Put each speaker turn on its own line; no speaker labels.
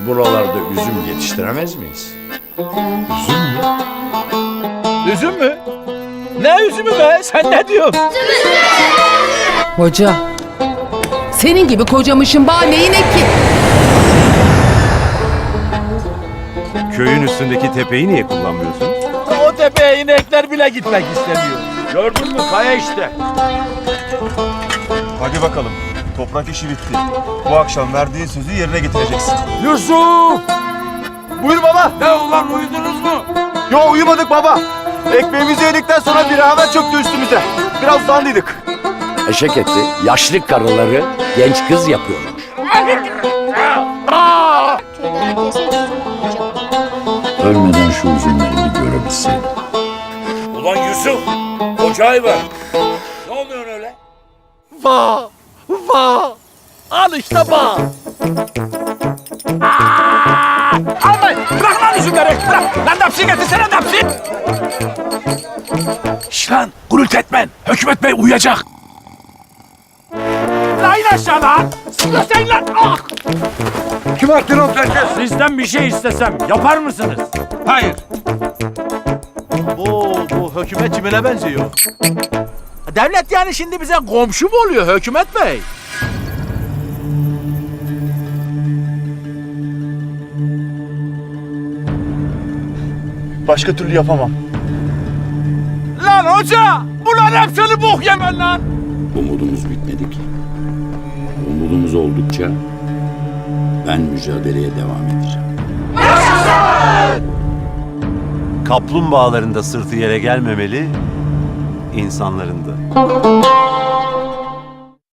buralarda üzüm yetiştiremez miyiz?
Üzüm mü?
Üzüm mü? Ne üzümü be? Sen ne diyorsun?
Hoca, senin gibi kocamışın bağ neyin ki?
Köyün üstündeki tepeyi niye kullanmıyorsun?
O tepeye inekler bile gitmek istemiyor. Gördün mü kaya işte.
Hadi bakalım. Toprak işi bitti. Bu akşam verdiğin sözü yerine getireceksin.
Yusuf!
Buyur baba.
Ne ulan uyudunuz mu?
Yo uyumadık baba. Ekmeğimizi yedikten sonra bir haber çöktü üstümüze. Biraz uzandıydık.
Eşek eti yaşlı karıları genç kız yapıyormuş.
Köyde herkes uslu olacak.
Ölmeden şu üzümleri bir görebilseydim.
Ulan Yusuf, koca hayvan. Ne oluyor öyle?
Vah! Vah! Al işte vah! Almayın! Bırak lan üzümleri! Bırak! Lan dapsi getirsene dapsi! Şş lan! Gürültü etmen! Hükümet Bey uyuyacak! Lan in aşağı lan! Sıkıştayın lan! Ah! Kim attı o herkes? Sizden bir şey istesem yapar mısınız? Hayır. Bu hükümet kimine benziyor? Devlet yani şimdi bize komşu mu oluyor Hükümet Bey?
Başka türlü yapamam.
Lan hoca! Bunlar hep seni bok yemen lan!
Umudumuz bitmedi ki. Umudumuz oldukça ben mücadeleye devam edeceğim.
Kaplumbağaların da sırtı yere gelmemeli, insanların da.